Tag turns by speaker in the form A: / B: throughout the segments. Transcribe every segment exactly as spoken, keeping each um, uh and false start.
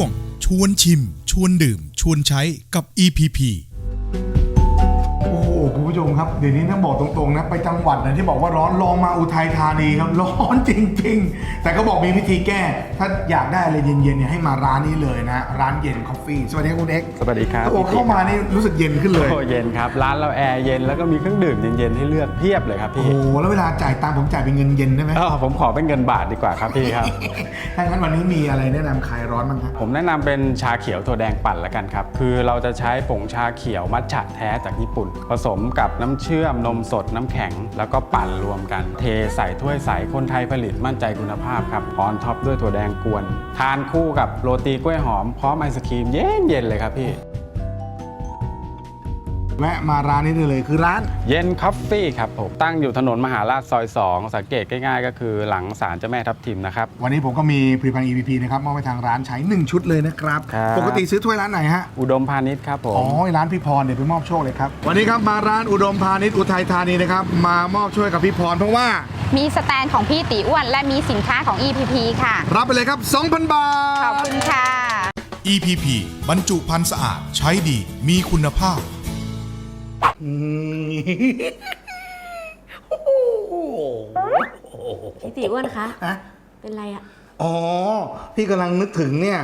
A: วงชวนชิมชวนดื่มชวนใช้กับ อี พี พี
B: โอ้โหคุณผู้ชมครับเดี๋ยวนี้ต้องบอกตรงๆนะไปจังหวัดนะที่บอกว่าร้อนลองมาอุทัยธานีครับร้อนจริงๆแต่ก็บอกมีวิธีแก้ถ้าอยากได้อะไรเย็นๆเนี่ยให้มาร้านนี้เลยนะร้านเย็นคอฟฟี่สวัสดีครับคุณเอ็กซ์
C: สวัสดีครับ
B: โอ้เข้ามานี่รู้สึกเย็นขึ้นเลย
C: โอ้เย็นครับร้านเราแอร์เย็นแล้วก็มีเครื่องดื่มเย็นๆให้เลือกเพียบเลยครับ
B: โอ้
C: พี่
B: โหแล้วเวลาจ่ายตังค์ผมจ่ายเป็นเงินเย็นได้ไหม
C: เออผมขอเป็นเงินบาทดีกว่าครับพี่ครับ
B: ถ้างั้นวันนี้มีอะไรแนะนำคลายร้อนบ้างครับ
C: ผมแนะนำเป็นชาเขียวถั่วแดงปั่นละกันครับคือเราจะใช้ผงชาเขียวมัทฉะแท้จากญี่ปุ่น ผสมกับน้ำเชื่อมนมสดน้ำแข็ง แล้วก็ปั่นรวมกัน เทใส่ถ้วยใสคนไทยผลิตมั่นใจคุณภาพครับออนท็อปด้วยถั่วแดงกวนทานคู่กับโรตีกล้วยหอมพร้อมไอศครีมเย็นๆเลยครับพี่
B: แวะมาร้านนี้ได้เลยคือร้าน
C: เย็นคอฟฟี่ครับผมตั้งอยู่ถนนมหาราชซอยสองสังเกตง่ายๆก็คือหลังศาลเจ้าแม่ทับทิมนะครับ
B: วันนี้ผมก็มีผลิตภัณฑ์ อี พี พี นะครับมอบไปทางร้านใช้หนึ่งชุดเลยนะครับ
C: ครับ
B: ปกติซื้อถ้วยร้านไหนฮะ
C: อุดมพาณิชย์ครับผม
B: อ๋อร้านพี่พรเดี๋ยวไปมอบโชคเลยครับวันนี้ครับมาร้านอุดมพาณิชย์อุทัยธานีนะครับมามอบช่วยกับพี่พรเพราะว่า
D: มีสแตนของพี่ตีอ้วนและมีสินค้าของ อี พี พี ค่ะ
B: รับไปเลยครับ สองพัน บาท
D: ขอบคุณค่ะ
A: อี พี พี บรรจุภัณฑ์สะอาดใช้ดีมีคุณภาพ
B: อืม
E: พี่ตีอ้วนคะ
B: ฮะ
E: เป็นไรอะ
B: อ๋อพี่กำลังนึกถึงเนี่ย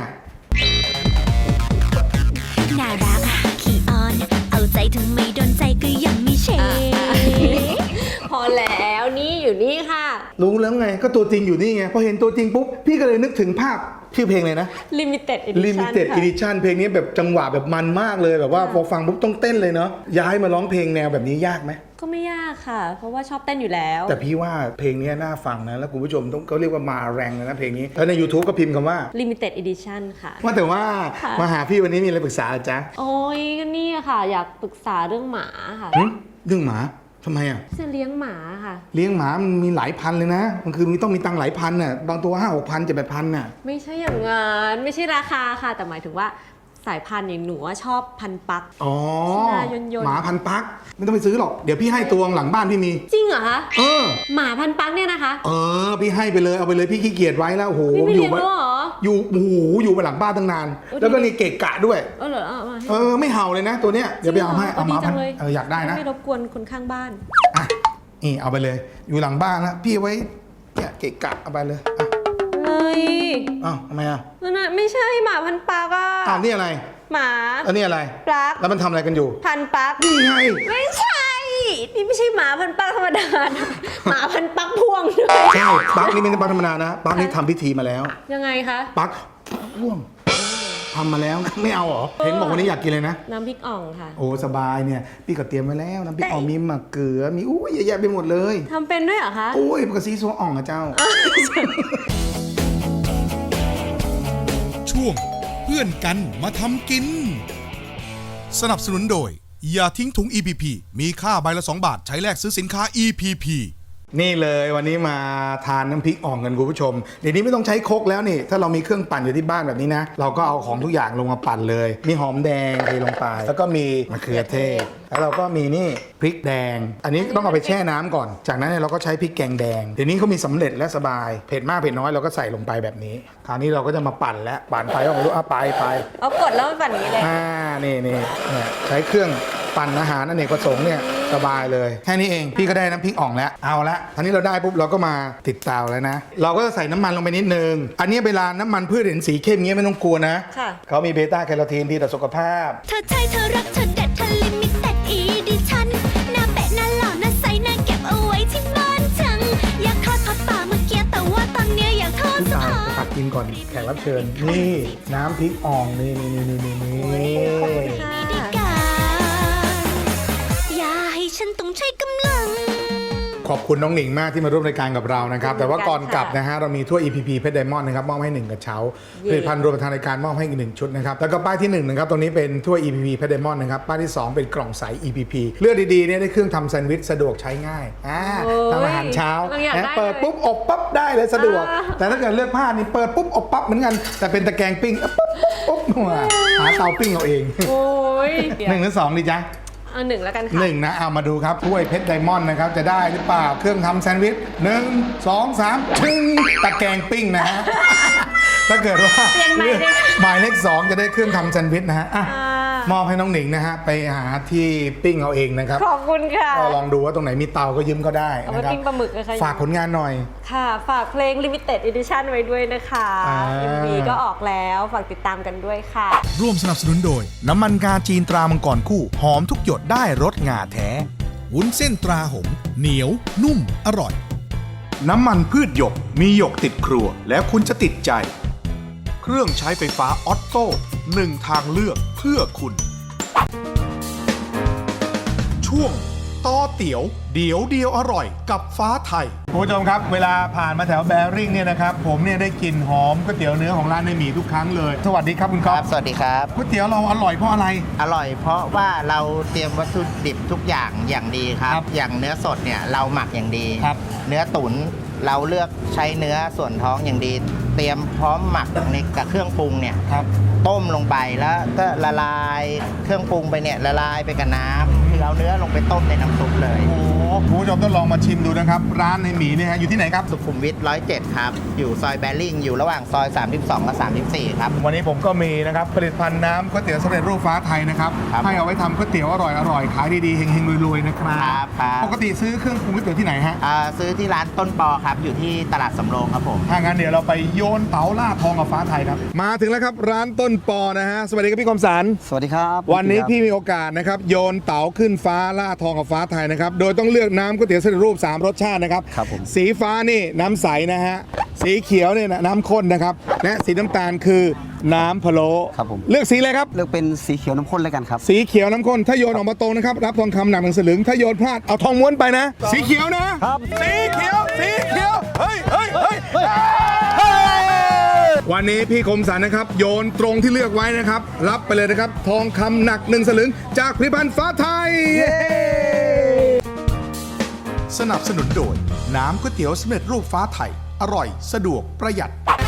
F: น่ารักขี้อ้อน เอาใจทำไมโดนใจก็ยังไม่เช
E: พอแล้วนี่อยู่นี่ค่ะ
B: รู้แล้วไงก็ตัวจริงอยู่นี่ไงพอเห็นตัวจริงปุ๊บพี่ก็เลยนึกถึงภาพชื่อเพลงเลยนะ
E: Limited Edition
B: Limited
E: ค่ะ
B: Edition เพลงนี้แบบจังหวะแบบมันมากเลยแบบว่าพอฟังปุ๊บต้องเต้นเลยเนาะย้ายมาร้องเพลงแนวแบบนี้ยากไหม
E: ก็ไม่ยากค่ะ เพราะว่าชอบเต้นอยู่แล้ว
B: แต่พี่ว่าเพลงนี้น่าฟังนะแล้วคุณผู้ชมต้องเขาเรียกว่ามาแรงเลยนะเพลงนี้แล้วใน YouTube ก็พิมพ์คำว่า
E: Limited Edition ค่ะ
B: ว่าแต่ว่า
E: ค่ะ
B: มาหาพี่วันนี้มีอะไรปรึกษาจ๊ะ
E: โอ้ยก็นี่ค่ะ อยากปรึกษาเรื่องหมาค่ะ
B: หึเรื่องหมาทำไมอ่ะ
E: จะเลี้ยงหมาค่ะ
B: เลี้ยงหมามันมีหลายพันเลยนะมันคือมีต้องมีตังค์หลายพันน่ะบางตัวห้าหกพันเจ็ดแปดพันน่ะ
E: ไม่ใช่อย่างงั้นไม่ใช่ราคาค่ะ แต่หมายถึงว่าสายพันธุ์อย่างหนูว่าชอบพันธุ์ปัก
B: อ๋อ
E: หน้ายนๆ
B: หมาพันปักไม่ต้องไปซื้อหรอกเดี๋ยวพี่ให้ตัวหลังบ้านพี่มี
E: จริงเหรอคะ
B: เออ
E: หมาพันธุ์ปักเนี่ยนะคะ
B: เออพี่ให้ไปเลยเอาไปเลยพี่ขี้เกียจไว้แล้วโอ้โห
E: พี่ไม่
B: อ
E: เลี้
B: ยู่
E: ยงแล้วเหรอ
B: อยู่โอ้โหอยู่ไปหลังบ้านตั้งนาน
E: เออ
B: แล้วก็นี่เกะกะด้วย
E: เออเหรอเอามาให้
B: เออไม่เห่าเลยนะ ตัวเนี้ยเดี๋ยวไปเอาให้เอา
E: ดี
B: มา
E: จั
B: พัน
E: งเลย
B: เอออยากได้นะ
E: ไม่รบกวนคนข้างบ้าน
B: อ่ะนี่เอาไปเลย อยู่หลังบ้านนะพี่เอาไว้เนี่ยเกะกะเอาไปเลยอ่ะ
E: เฮ้ย
B: อ้าวทำไมอ่ะ
E: นั่นน่ะไม่ใช่หมาพันธุ์ปักอะ
B: อ้าวนี่อะไร
E: หมา
B: อันนี้อะไร
E: ปลัก
B: แล้วมันทำอะไรกันอยู่
E: พันธุ์ปัก
B: นี่ไง
E: ไม่ใช่ นี่ไม่ใช่หมาพันธุ์ปักธรรมดานะหมาพันธุ์ปักพ่วงด้วย
B: ใช่ปักนี่ไม่ใช่ปักธรรมดานะปักนี่ทำพิธีมาแล้ว
E: ยังไงคะ
B: ปักพ่วงทำมาแล้วไม่เอาเหรอเห็นบอกวันนี้อยากกินเลยนะ
E: น้ำพริกอ่องค่ะ
B: โอ้สบายเนี่ยพี่ก็เตรียมไว้แล้วน้ำพริกอ่องมีมะเขือมีอุ้ยเยอะแยะไปหมดเลย
E: ทำเป็นด้วยเหรอคะ
B: โอ้ยปกติซัวอ่องอะเจ้า
A: ช่วงเพื่อนกันมาทำกิน สนับสนุนโดย อย่าทิ้งถุง อี พี พี มีค่าใบละสองบาทใช้แลกซื้อสินค้า อี พี พี
B: นี่เลยวันนี้มาทานน้ำพริกอ่องกันคุณผู้ชมเดี๋ยวนี้ไม่ต้องใช้ครกแล้วนี่ถ้าเรามีเครื่องปั่นอยู่ที่บ้านแบบนี้นะเราก็เอาของทุกอย่างลงมาปั่นเลย มีหอมแดงเทลงไป แล้วก็มีมะเขือเทศแล้วเราก็มีนี่พริกแดง อันนี้ต้องเอาไปแช่น้ำก่อนจากนั้นเนี่ยเราก็ใช้พริกแกงแดงเดี๋ยวนี้เขามีสำเร็จและสบายเผ็ดมากเผ็ดน้อยเราก็ใส่ลงไปแบบนี้คราวนี้เราก็จะมาปั่นแล้วปั่นไปก็ไม่รู้อ่ะไปไป
E: เอากดแล้วมันแบบนี้เลย
B: อ่านี่นี่เนี่ยใช้เครื่องปั่นอาหารอเนกประสงค์เนี่ยสบายเลยแค่นี้เองพี่ก็ได้น้ำพริกอ่องแล้วเอาละทีนี้เราได้ปุ๊บเราก็มาติดเตาแล้วนะเราก็จะใส่น้ำมันลงไปนิดนึงอันนี้เวลาน้ำมันพืชเห็นสีเข้มเงี้ยไม่ต้องกลัวนะ
E: ค่ะ
B: เขามีเบต้าแคโรทีนดีต่อสุขภาพ
F: เธอใช่เธอรักเธอเด็ดเธอลิมิเต็ดอีดิชั่นหน้าเป๊ะหน้าหล่อหน้าใสหน้าเก็บเอาไว้ที่บ้านจัง อยากทอดผัดป่าเมื่อกี้แต่ว่าตอนเนี้ยอยากทอด
B: พี่
F: สะ
B: ตาย
F: อา
B: จะตั
F: ด
B: กกินก่อนแขกรับเชิญนี่น้ำพริกอ่องนี่นี่นี่นี่นี่
E: ขอบคุณค่ะ
F: ดีกาอย่าให้ฉันต้องใช้กำลัง
B: ขอบคุณน้องหนิงมากที่มาร่วมรายการกับเรานะครับแต่ว่าก่อนกลับนะฮะเรามีถ้วย อี พี พี เพชรไดมอนด์นะครับมอบให้หนึ่งกระเช้าผลิตภัณฑ์รวมทางรายการมอบให้อีกหนึ่งชุดนะครับแล้วก็ป้ายที่หนึ่งนะครับตรงนี้เป็นถ้วย อี พี พี เพชรไดมอนด์นะครับป้ายที่สองเป็นกล่องใส อี พี พี เลือกดีๆเนี่ยได้เครื่องทำแซนด์วิชสะดวกใช้ง่ายอ่า
E: โอ้ย
B: ทำอาหารเช้า
E: เราอยาก
B: นะ
E: ได้
B: เปิด
E: เลย
B: ปุ๊บอบปั๊บได้เลยสะดวก
E: อ่า
B: แต่ถ้าเกิดเลือกผ้านี่เปิดปุ๊บอบปั๊บเหมือนกันแต่เป็นตะแกรงปิ้งปุ๊บปุ๊บปุ๊บหาเตาปิ้งเอาเอง
E: โอ้ย
B: หนึ่งหรือสองดีจ๊ะ
E: เเอาหนึ่งแล้วกันค่ะ
B: หนึ่งนะเอามาดูครับถ้วยเพชรไดมอนด์นะครับจะได้หรือเปล่าเครื่องทำแซนด์วิชหนึ่งสองสามชึ้งตะแกรงปิ้งนะฮะ ถ้าเกิดว่า
E: เปลี่ยนใหม่เลย
B: หมายเลขสองจะได้เครื่องทำแซนด์วิชนะฮะอ่ะ
E: อ่าม
B: อบให้น้องหนิงนะฮะไปหาที่ปิ้งเอาเองนะครับ
E: ขอบคุณค่ะ
B: ก็ลองดูว่าตรงไหนมีเตาก็ยืมก็ได้
E: เอา
B: นะ
E: ไป
B: ครับ
E: ปิ้งปลาหมึกนะคะ
B: ฝากผลงานหน่อย
E: ค่ะ ฝากเพลง Limited Edition ไว้ด้วยนะคะ
B: อ่า
E: เอ็ม วี ก็ออกแล้วฝากติดตามกันด้วยค่ะ
A: ร่วมสนับสนุนโดย น้ำมันงาจีนตรามังกรคู่ หอมทุกหยดได้รสงาแท้ วุ้นเส้นตราหงส์เหนียว นุ่ม อร่อย น้ำมันพืชหยก มีหยกติดครัว แล้วคุณจะติดใจ เครื่องใช้ไฟฟ้าออตโต้หนึ่งทางเลือกเพื่อคุณ ช่วงต่อเตี๋ยว เดี๋ยวเดียวอร่อยกับฟ้าไทย
B: คุณผู้ชมครับเวลาผ่านมาแถวแบริ่งเนี่ยนะครับผมเนี่ยได้กลิ่นหอมก๋วยเตี๋ยวเนื้อของร้านในหมีทุกครั้งเลยสวัสดีครับคุณ
G: ค
B: ก๊อ
G: รั
B: ฟ
G: บ สวัสดีครับ
B: ก๋วยเตี๋ยวเราอร่อยเพราะอะไร
G: อร่อยเพราะว่าเราเตรียมวัตถุดิบทุกอย่างอย่างดีครับ
B: ครับ
G: อย่างเนื้อสดเนี่ยเราหมักอย่างดี
B: ครับ
G: เนื้อตุ๋นเราเลือกใช้เนื้อส่วนท้องอย่างดี เตรียมพร้อมหมักในกับเครื่องปรุงเนี่ย
B: ครับ
G: ต้มลงไปแล้วก็ละลายเครื่องปรุงไปเนี่ยละลายไปกับน้ำคือเอาเนื้อลงไปต้มในน้ำซุปเลย
B: โอ้คุณผู้ชมต้องลองมาชิมดูนะครับ ร้านในหมีเนี่ยฮะอยู่ที่ไหนครับ
G: สุขุมวิทร้อยเจ็ดครับ อยู่ซอยแบริ่งอยู่ระหว่างซอย สามสิบสอง กับ สามสิบสี่ ครับ
B: วันนี้ผมก็มีนะครับผลิตภัณฑ์น้ำก๋วยเตี๋ยวสำเร็จรูปฟ้าไทยนะครับ
G: ครับ
B: ให้เอาไว้ทำก๋วยเตี๋ยวอร่อยอร่อยขายดีๆเฮงๆรวยๆนะครับ
G: ครับครับ
B: ปกติซื้อเครื่องปรุงก๋วยเตี๋ยวที่ไหนฮะ
G: อ่าซื้อที่ร้านต้นปอครับอยู่ที่ตลาดสำโรงครับผม
B: ถ้างั้นเดี๋ยวเราไปโยนเต๋าล่าทองกับฟ้าไทยครับมาถึงแล้วครับร้านต้นปอนะฮะสวัสดีครับพี่คมสัน
H: สวัสดีครับ
B: วันนี้พี่มีโอกาสนะครับโยนเต๋าขึ้นฟ้าล่าทองกับฟ้าไทยนะครับโดยต้องเลือกน้ำก๋วยเตี๋ยวสำเร็จรูปสามรสชาตินะครับ
H: ครับผม
B: สีฟ้านี่น้ำใสนะฮะสีเขียวเนี่ยน้ำข้นนะครับและสีน้ำตาลคือน้ำพะโล้
H: ครับผม
B: เลือกสีอะไรครับ
H: เลือกเป็นสีเขียวน้ำข้นแล้วกันครับ
B: สีเขียวน้ำข้นถ้าโยนออกมาตรงนะครับรับทองคำหนักหนึ่งสลึงถ้าโยนพลาดเอาทองม้วนไปนะ สีเขียวนะครับสีเขียวสีเขียวเฮ้ยเฮ้ยเฮ้ยเฮ้ยวันนี้พี่คมสันนะครับโยนตรงที่เลือกไว้นะครับรับไปเลยนะครับทองคำหนักหนึ่งสลึงจากผลิตภัณฑ์ฟ้าไทย
A: สนับสนุนโดย น้ำก๋วยเตี๋ยวสำเร็จรูปฟ้าไทย อร่อย สะดวกประหยัด